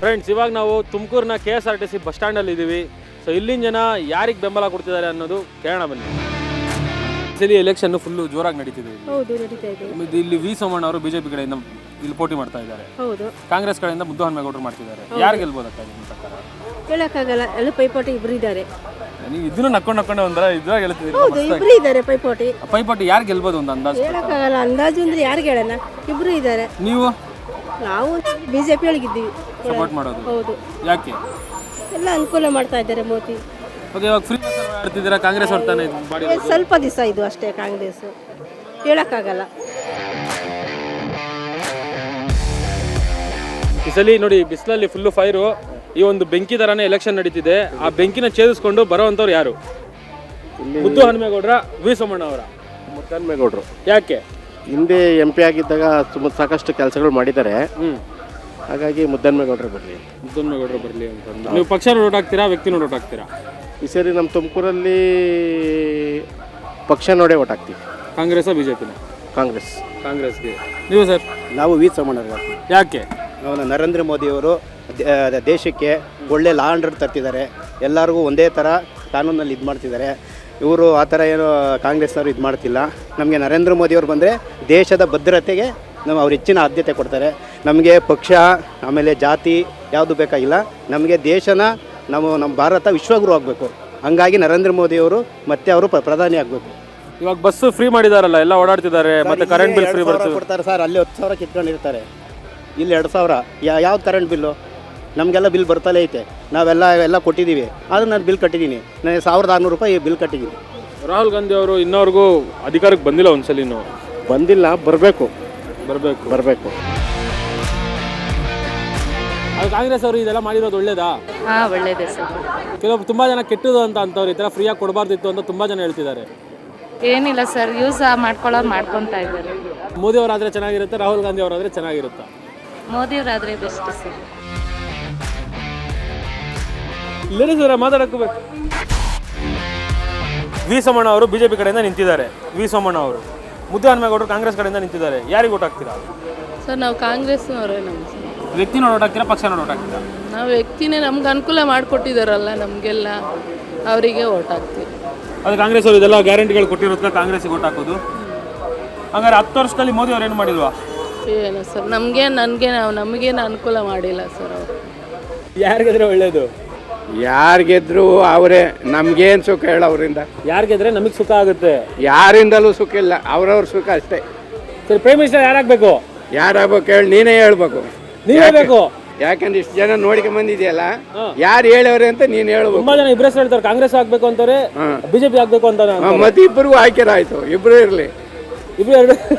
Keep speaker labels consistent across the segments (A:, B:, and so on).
A: Friends, ಇವಾಗ ನಾವು ತುಮಕೂರಿನ KSRTC ಬಸ್ ಸ್ಟ್ಯಾಂಡಲ್ಲಿ ಇದ್ದೀವಿ. ಸೊ ಇಲ್ಲಿನ ಜನ ಯಾರಿಗೆ ಬೆಂಬಲ ಕೊಡ್ತಿದ್ದಾರೆ ಅನ್ನೋದು ಕೇಳೋಣ ಬನ್ನಿ. ಸರಿ, ಎಲೆಕ್ಷನ್ ಫುಲ್ಲು ಜೋರಾಗಿ ನಡೀತಿದೆ.
B: ಹೌದು, ನಡೀತಾ ಇದೆ.
A: ಇಲ್ಲಿ ವಿ ಸೋಮಣ್ಣ ಅವರು ಬಿಜೆಪಿ ಕಡೆಯಿಂದ ಇಲ್ಲಿ ಪೋಟಿ ಮಾಡ್ತಾ ಇದ್ದಾರೆ.
B: ಹೌದು.
A: ಕಾಂಗ್ರೆಸ್ ಕಡೆಯಿಂದ ಮುದ್ದಹನುಮೇಗೌಡರು ಮಾಡ್ತಿದ್ದಾರೆ. ಯಾರು ಗೆಲ್ಬೋದಕ್ಕ ನಿಮ್ಮ ಪ್ರಕಾರ?
B: ಹೇಳಕ್ಕಾಗಲ್ಲ, ಎಲ್ಲ ಪೈಪೋಟಿ ಇಬ್ರು ಇದ್ದಾರೆ.
A: ನೀವು ಇದನ್ನು ನಕ್ಕೊಂಡು ಒಂದರ ಇದ್ರಾಗ ಹೇಳ್ತಿದ್ದೀರಿ.
B: ಹೌದು, ಇಬ್ರು ಇದ್ದಾರೆ
A: ಪೈಪೋಟಿ ಯಾರು ಗೆಲ್ಬೋದು ಒಂದು ಅಂದಾಜು?
B: ಹೇಳಕ್ಕಾಗಲ್ಲ, ಅಂದಾಜು ಅಂದ್ರೆ ಯಾರು ಹೇಳೋಣ, ಇಬ್ರು ಇದ್ದಾರೆ.
A: ನೀವು?
B: ನಾವು ಬಿಜೆಪಿ ಒಳಗಿದ್ದೀವಿ.
A: ಸಪೋರ್ಟ್ ಮಾಡೋದು?
B: ಹೌದು.
A: ಯಾಕೆ?
B: ಎಲ್ಲ ಅನುಕೂಲ ಮಾಡ್ತಾ ಇದ್ದಾರೆ ಮೋದಿ.
A: ಓಕೆ, ಇವಾಗ ಫ್ರೀ ಮಾಡ್ತಿದ್ದೀರಾ, ಕಾಂಗ್ರೆಸ್ ಹೊರತಾನೆ
B: ಸ್ವಲ್ಪ ದಿವಸ ಇದು ಅಷ್ಟೇ ಕಾಂಗ್ರೆಸ್, ಹೇಳಕ್ಕಾಗಲ್ಲ.
A: ಈ ಸಲ ನೋಡಿ, ಬಿಸಿಲಲ್ಲಿ ಫುಲ್ಲು ಫೈರು. ಈ ಒಂದು ಬೆಂಕಿ ಥರನೇ ಎಲೆಕ್ಷನ್ ನಡೀತಿದೆ. ಆ ಬೆಂಕಿನ ಛೇದಿಸ್ಕೊಂಡು ಬರೋವಂಥವ್ರು ಯಾರು? ಮುದ್ದಹನುಮೇಗೌಡರ, ವಿ ಸೋಮಣ್ಣ ಅವರ?
C: ಮುದ್ದಹನುಮೇಗೌಡರು.
A: ಯಾಕೆ?
C: ಹಿಂದೆ MP ಆಗಿದ್ದಾಗ ಸಾಕಷ್ಟು ಕೆಲಸಗಳು ಮಾಡಿದ್ದಾರೆ. ಹಾಗಾಗಿ ಮುದ್ದಹನುಮೇಗೌಡರು ಬರಲಿ.
A: ಮುದ್ದಹನುಮೇಗೌಡರು ಬರಲಿ ಅಂತ. ನೀವು ಪಕ್ಷ ನೋಟ್ ಹಾಕ್ತೀರಾ, ವ್ಯಕ್ತಿ ನೋಟ್ ಹಾಕ್ತೀರಾ?
C: ಈ ಸರಿ ನಮ್ಮ ತುಮಕೂರಲ್ಲಿ ಪಕ್ಷ ನೋಡೇ ಓಟ್ ಹಾಕ್ತೀವಿ.
A: ಕಾಂಗ್ರೆಸ್ ಬಿಜೆಪಿನ? ಕಾಂಗ್ರೆಸ್ಗೆ. ನೀವು ಸರ್?
D: ನಾವು ವಿ ಸೋಮಣ್ಣ.
A: ಯಾಕೆ?
D: ನರೇಂದ್ರ ಮೋದಿಯವರು ದೇಶಕ್ಕೆ ಒಳ್ಳೆ ಲಾ ಆ್ಯಂಡ್ ಆರ್ಡರ್ ತರ್ತಿದ್ದಾರೆ. ಎಲ್ಲರಿಗೂ ಒಂದೇ ಥರ ಕಾನೂನಲ್ಲಿ ಇದು ಮಾಡ್ತಿದ್ದಾರೆ. ಇವರು ಆ ಥರ ಏನು ಕಾಂಗ್ರೆಸ್ನವರು ಇದು ಮಾಡ್ತಿಲ್ಲ. ನಮಗೆ ನರೇಂದ್ರ ಮೋದಿಯವರು ಬಂದರೆ ದೇಶದ ಭದ್ರತೆಗೆ ಅವ್ರು ಹೆಚ್ಚಿನ ಆದ್ಯತೆ ಕೊಡ್ತಾರೆ. ನಮಗೆ ಪಕ್ಷ ಆಮೇಲೆ ಜಾತಿ ಯಾವುದು ಬೇಕಾಗಿಲ್ಲ. ನಮಗೆ ದೇಶನ ನಮ್ಮ ಭಾರತ ವಿಶ್ವಗುರು ಆಗಬೇಕು. ಹಾಗಾಗಿ ನರೇಂದ್ರ ಮೋದಿಯವರು ಮತ್ತೆ ಅವರು ಪ್ರಧಾನಿ ಆಗಬೇಕು.
A: ಇವಾಗ ಬಸ್ ಫ್ರೀ ಮಾಡಿದಾರಲ್ಲ, ಎಲ್ಲ ಓಡಾಡ್ತಿದ್ದಾರೆ, ಮತ್ತೆ ಕರೆಂಟ್ ಬಿಲ್ ಫ್ರೀ ಬರ್ತದೆ
D: ಕೊಡ್ತಾರೆ ಸರ್. ಅಲ್ಲಿ 10,000 ಕಿತ್ಕೊಂಡಿರ್ತಾರೆ, ಇಲ್ಲಿ 2,000. ಯಾವ್ದು ಕರೆಂಟ್ ಬಿಲ್ಲು? ನಮಗೆಲ್ಲ ಬಿಲ್ ಬರ್ತಲೇ ಐತೆ. ನಾವೆಲ್ಲ ಕೊಟ್ಟಿದ್ದೀವಿ. ಆದರೂ ನಾನು ಬಿಲ್ ಕಟ್ಟಿದ್ದೀನಿ. ನಾನು 1,600 ರೂಪಾಯಿ ಬಿಲ್ ಕಟ್ಟಿದ್ದೀನಿ.
A: ರಾಹುಲ್ ಗಾಂಧಿ ಅವರು ಇನ್ನವರೆಗೂ ಅಧಿಕಾರಕ್ಕೆ ಬಂದಿಲ್ಲ. ಒಂದ್ಸಲಿನೂ
C: ಬಂದಿಲ್ಲ. ಬರಬೇಕು.
A: ಅದು ಕಾಂಗ್ರೆಸ್ ಅವರು ಇದೆಲ್ಲ ಮಾಡಿರೋದು ಒಳ್ಳೇದಾ?
E: ಒಳ್ಳೇದೇ ಸರ್.
A: ಕೆಲವೊಬ್ರು ತುಂಬಾ ಜನ ಕೆಟ್ಟದು ಅಂತವ್ರು, ಈ ಥರ ಫ್ರೀಯಾಗಿ ಕೊಡಬಾರ್ದಿತ್ತು ಅಂತ ತುಂಬಾ ಜನ ಹೇಳ್ತಿದ್ದಾರೆ.
E: ಏನಿಲ್ಲ ಸರ್, ಯೂಸ್ ಮಾಡ್ಕೊತಾ ಇದ್ದಾರೆ.
A: ಮೋದಿ ಅವರಾದ್ರೆ ಚೆನ್ನಾಗಿರುತ್ತೆ, ರಾಹುಲ್ ಗಾಂಧಿ ಅವರಾದ್ರೆ ಚೆನ್ನಾಗಿರುತ್ತೆ?
E: ಮೋದಿಯವರಾದ್ರೆ ಬೆಸ್ಟ್ ಸರ್.
A: ಲೇಡೀಸ್ ಅವರ ಮಾತಾಡಕೋಬೇಕು. ವಿ ಸೋಮಣ್ಣ ಅವರು ಬಿಜೆಪಿ ಕಡೆಯಿಂದ ನಿಂತಿದ್ದಾರೆ. ವಿ ಸೋಮಣ್ಣ ಅವರು. ಮುದ್ದಹನುಮೇಗೌಡರು ಕಾಂಗ್ರೆಸ್ ಕಡೆಯಿಂದ ನಿಂತಿದ್ದಾರೆ. ಯಾರಿಗೆ ಓಟ್ ಹಾಕ್ತೀರಾ?
F: ಸರ್, ನಾವು ಕಾಂಗ್ರೆಸ್ನವರೇ.
A: ವ್ಯಕ್ತಿನ ಓಟ್ ಹಾಕ್ತೀರಾ, ಪಕ್ಷನ ಓಟ್ ಹಾಕ್ತೀರಾ?
F: ನಾವು ವ್ಯಕ್ತಿನೇ, ನಮ್ಗೆ ಅನುಕೂಲ ಮಾಡಿಕೊಟ್ಟಿದ್ದಾರಲ್ಲ ನಮಗೆಲ್ಲ, ಅವರಿಗೆ ಓಟ್ ಹಾಕ್ತೀವಿ.
A: ಅದು ಕಾಂಗ್ರೆಸ್ ಅವರು ಇದೆಲ್ಲ ಗ್ಯಾರಂಟಿಗಳು ಕೊಟ್ಟಿರೋದಕ್ಕೆ ಕಾಂಗ್ರೆಸ್ಗೆ ಓಟ್ ಹಾಕೋದು. ಹಂಗಾರೆ 10 ವರ್ಷದಲ್ಲಿ ಮೋದಿ ಅವ್ರು ಏನು ಮಾಡಿಲ್ವಾ?
F: ಏನು ಸರ್, ನಮಗೇನು ಅನುಕೂಲ ಮಾಡಿಲ್ಲ ಸರ್ ಅವರು.
A: ಯಾರಿಗೆದ್ರೆ ಒಳ್ಳೇದು?
G: ಯಾರಿಗೆದ್ರು ಅವರೇ. ನಮ್ಗೇನು ಸುಖ ಹೇಳ ಅವರಿಂದ?
A: ಯಾರಿಗೆದ್ರೆ ನಮಗೆ ಸುಖ ಆಗುತ್ತೆ?
G: ಯಾರಿಂದಲೂ ಸುಖ ಇಲ್ಲ, ಅವ್ರವ್ರ ಸುಖ ಅಷ್ಟೇ.
A: ಸರಿ, ಪ್ರೈಮ್ ಮಿನಿಸ್ಟರ್ ಯಾರಾಗಬೇಕು?
G: ಯಾರಾಗಬೇಕು ಹೇಳಿ? ನೀನೇ ಹೇಳ್ಬೇಕು.
A: ನೀವೇ ಬೇಕು.
G: ಯಾಕಂದ್ರೆ ಇಷ್ಟು ಜನ ನೋಡ್ಕೊಂಡ್ ಬಂದಿದೆಯಲ್ಲ, ಯಾರು ಹೇಳವ್ರೆ ಅಂತ ನೀನ್ ಹೇಳ್ಬೇಕು.
A: ತುಂಬಾ ಜನ ಇಬ್ಬರೇ ಹೇಳ್ತಾರೆ, ಕಾಂಗ್ರೆಸ್ ಆಗ್ಬೇಕು ಅಂತಾರೆ, ಬಿಜೆಪಿ ಆಗ್ಬೇಕು ಅಂತ.
G: ಮತ್ತೆ ಇಬ್ಬರಿಗೂ ಆಯ್ಕೆ ಆಯ್ತು. ಇಬ್ರು ಇರ್ಲಿ.
A: ಇಬ್ರು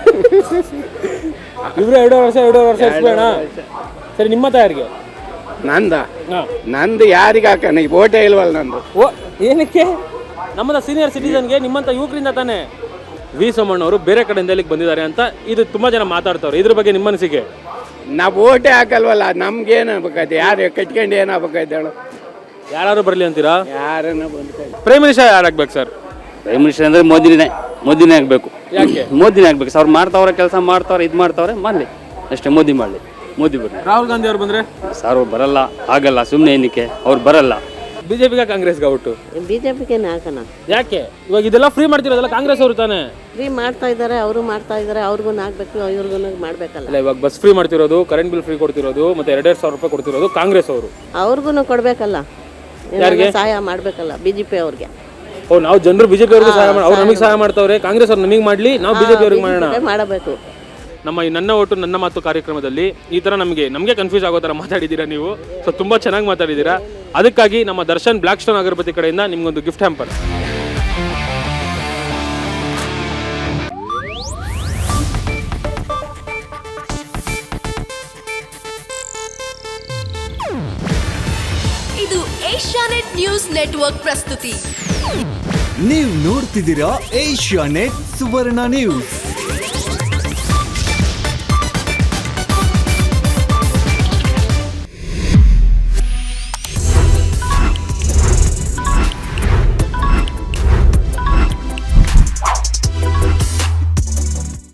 A: 2 ವರ್ಷ ಇಸ್ಬೇಡ. ಸರಿ, ನಿಮ್ಮ ಯಾರಿಗೆ?
G: ನಂದು ಯಾರಿಗೆ ಹಾಕೋಣ? ಈಗ ಓಟೇ ಇಲ್ವಲ್ಲ ನಂದು.
A: ಏನಕ್ಕೆ? ನಮ್ಮದ ಸೀನಿಯರ್ ಸಿಟಿಸನ್ಗೆ, ನಿಮ್ಮಂತ ಯುವಕರಿಂದ ತಾನೆ. ವಿ ಸೋಮಣ್ಣ ಅವರು ಬೇರೆ ಕಡೆಯಿಂದ ಇಲ್ಲಿಗೆ ಬಂದಿದ್ದಾರೆ ಅಂತ ಇದು ತುಂಬಾ ಜನ ಮಾತಾಡ್ತಾವ್ರೆ. ಇದ್ರ ಬಗ್ಗೆ ನಿಮ್ಮ ಅನಿಸಿಕೆ?
G: ನಾವು ಓಟೇ ಹಾಕಲ್ವಲ್ಲ, ನಮ್ಗೇನು ಆಗ್ಬೇಕಾಯ್ತು? ಯಾರು ಕಟ್ಕೊಂಡು ಏನಾಗಬೇಕಾಯ್ತು ಹೇಳು?
A: ಯಾರು ಬರಲಿ ಅಂತೀರಾ?
G: ಯಾರನ್ನ ಬಂದ
A: ಪ್ರೈಮ್ ಮಿನಿಸ್ಟರ್ ಯಾರಾಗಬೇಕು ಸರ್?
H: ಪ್ರೈಮ್ ಮಿನಿಸ್ಟರ್ ಅಂದರೆ ಮೋದಿನೇ ಆಗಬೇಕು.
A: ಯಾಕೆ?
H: ಮೋದಿನೇ ಆಗಬೇಕು ಸರ್. ಅವ್ರು ಮಾಡ್ತಾವ್ರೆ, ಕೆಲಸ ಮಾಡ್ತಾವ್ರೆ, ಇದು ಮಾಡ್ತಾವ್ರೆ, ಮಾಡಲಿ ಅಷ್ಟೇ. ಮೋದಿ ಮಾಡಲಿ, ಮೋದಿ ಬರಲಿ.
A: ರಾಹುಲ್ ಗಾಂಧಿ ಅವ್ರು ಬಂದರೆ?
H: ಸರ್ ಅವ್ರು ಬರಲ್ಲ, ಆಗಲ್ಲ, ಸುಮ್ಮನೆ ಏನಕ್ಕೆ ಅವ್ರು ಬರಲ್ಲ.
A: ಬಿಜೆಪಿಗೆ ಕಾಂಗ್ರೆಸ್ಗೆ ಔಟು?
B: ಬಿಜೆಪಿಗೆ ಹಾಕೋಣ.
A: ಯಾಕೆ? ಇವಾಗ ಇದೆಲ್ಲ ಫ್ರೀ ಮಾಡ್ತಿರೋದಲ್ಲ ಕಾಂಗ್ರೆಸ್ ಅವರು ತಾನೆ?
B: ಫ್ರೀ ಮಾಡ್ತಾ ಇದ್ದಾರೆ, ಅವರು ಮಾಡ್ತಾ ಇದ್ದಾರೆ, ಅವ್ರಿಗೂ ಹಾಕ್ಬೇಕು, ಇವ್ರಿಗೂ ಮಾಡ್ಬೇಕಲ್ಲ.
A: ಅಲ್ಲ, ಇವಾಗ ಬಸ್ ಫ್ರೀ ಮಾಡ್ತಿರೋದು, ಕರೆಂಟ್ ಬಿಲ್ ಫ್ರೀ ಕೊಡ್ತಿರೋದು, ಮತ್ತೆ 2,000 ರೂಪಾಯಿ ಕೊಡ್ತಿರೋದು ಕಾಂಗ್ರೆಸ್ ಅವರು.
B: ಅವ್ರಿಗೂ ಕೊಡ್ಬೇಕಲ್ಲ,
A: ಯಾರಿಗೆ ಸಹಾಯ
B: ಮಾಡ್ಬೇಕಲ್ಲ? ಬಿಜೆಪಿ ಅವ್ರಿಗೆ.
A: ನಾವು ಜನರು ಬಿಜೆಪಿ ಅವ್ರಿಗೆ ಸಹಾಯ ಮಾಡಿ, ಅವ್ರು ನಮಗೆ ಸಹಾಯ ಮಾಡ್ತಾವ್ರೆ. ಕಾಂಗ್ರೆಸ್ ಅವ್ರು ನಮಗೆ ಮಾಡ್ಲಿ, ನಾವು ಬಿಜೆಪಿ ಅವ್ರಿಗೆ
B: ಮಾಡಬೇಕು.
A: ನಮ್ಮ ಈ ನನ್ನ ಓಟು ನನ್ನ ಮಾತು ಕಾರ್ಯಕ್ರಮದಲ್ಲಿ ಈ ಥರ ನಮಗೆ ಕನ್ಫ್ಯೂಸ್ ಆಗೋ ಥರ ಮಾತಾಡಿದ್ದೀರಾ ನೀವು. ಸೊ ತುಂಬ ಚೆನ್ನಾಗಿ ಮಾತಾಡಿದ್ದೀರಾ. ಅದಕ್ಕಾಗಿ ನಮ್ಮ ದರ್ಶನ್ ಬ್ಲ್ಯಾಕ್ ಸ್ಟೋನ್ ಅಗರಬತ್ತಿ ಕಡೆಯಿಂದ ನಿಮ್ಗೊಂದು ಗಿಫ್ಟ್ ಹ್ಯಾಂಪರ್.
I: ಇದು ಏಷ್ಯಾನೆಟ್ ನ್ಯೂಸ್ ನೆಟ್ವರ್ಕ್ ಪ್ರಸ್ತುತಿ.
J: ನೀವು ನೋಡ್ತಿದ್ದೀರಾ ಏಷ್ಯಾನೆಟ್ ಸುವರ್ಣ ನ್ಯೂಸ್.